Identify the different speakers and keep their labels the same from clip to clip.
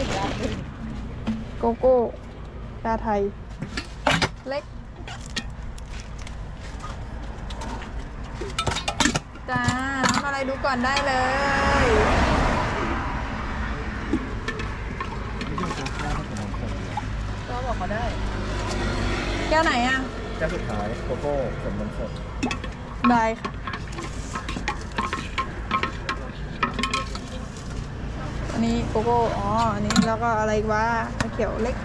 Speaker 1: โกโก้ชาไทย เล็ก จ้าทำอะไรดูก่อนได้เลย ก็บอกเขาได้ แก้วไหนอ่ะ
Speaker 2: แก้วสุดท้ายโกโก้ผลนมสด
Speaker 1: ได้ค่ะ อันนี้โกโก้ อ๋อ อันนี้แล้วก็อะไรอีกวะชาเขียวเล็ก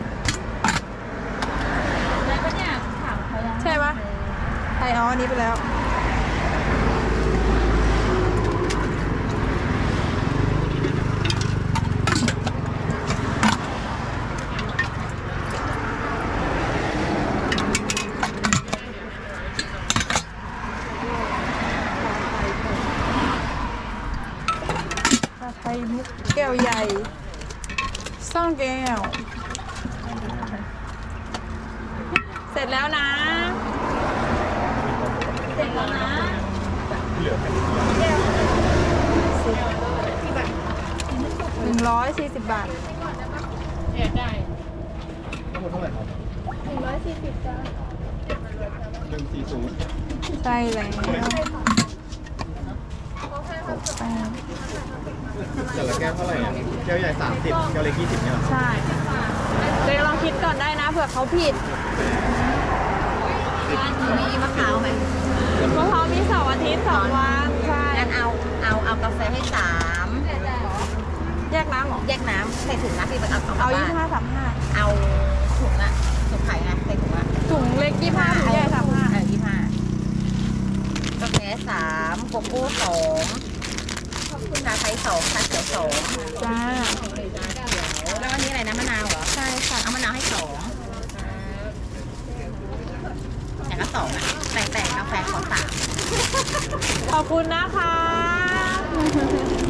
Speaker 3: แล้วก็เนี่ยถามเขายัง
Speaker 1: ใช่ปะใช่อ๋ออันนี้ไปแล้ว ชาไทยมุกแก้วใหญ่ซ่องแก้ว เสร็จแล้วนะ
Speaker 3: เสร็จแล้วนะ
Speaker 1: 140 บาท
Speaker 3: เดี๋ยวได้
Speaker 2: ทั้งหมดเท่าไหร่ครับ140 จ้า140
Speaker 1: ใช่แล้ว
Speaker 2: แต่ละแก้วเท่าไหร่อ่ะแก้วใหญ่30แก้วเล็ก20เนี่ยเหรอ
Speaker 1: ใช่เดี๋ยวลองคิดก่อนได้นะเผื่อเขาผิด
Speaker 3: มีมะพร้าวไหม
Speaker 1: เพราะเขามีเสาร์อาทิตย์2 วัน ใช่
Speaker 3: งั้นเอากาแฟให้3
Speaker 1: แยกน้ำเหรอ
Speaker 3: แยกน้ำใส่ถุงนะพี่ไปเอา
Speaker 1: เอา
Speaker 3: บ้าน
Speaker 1: 25
Speaker 3: เอาถุงอะถุงไข่ไงใส่ถุงอะ
Speaker 1: 35ถุงเล็ก25ถุงใหญ่35
Speaker 3: 25กาแฟ3โกโก้2ชาไทย2ชาเขียว2
Speaker 1: จ้า
Speaker 3: แล้วอันนี้อะไรนะมะนาวเหรอ
Speaker 1: ใช่ค่ะ
Speaker 3: เอามะนาวให้2อย่างละ2อะแต่กาแฟขอ3
Speaker 1: ขอบคุณนะคะ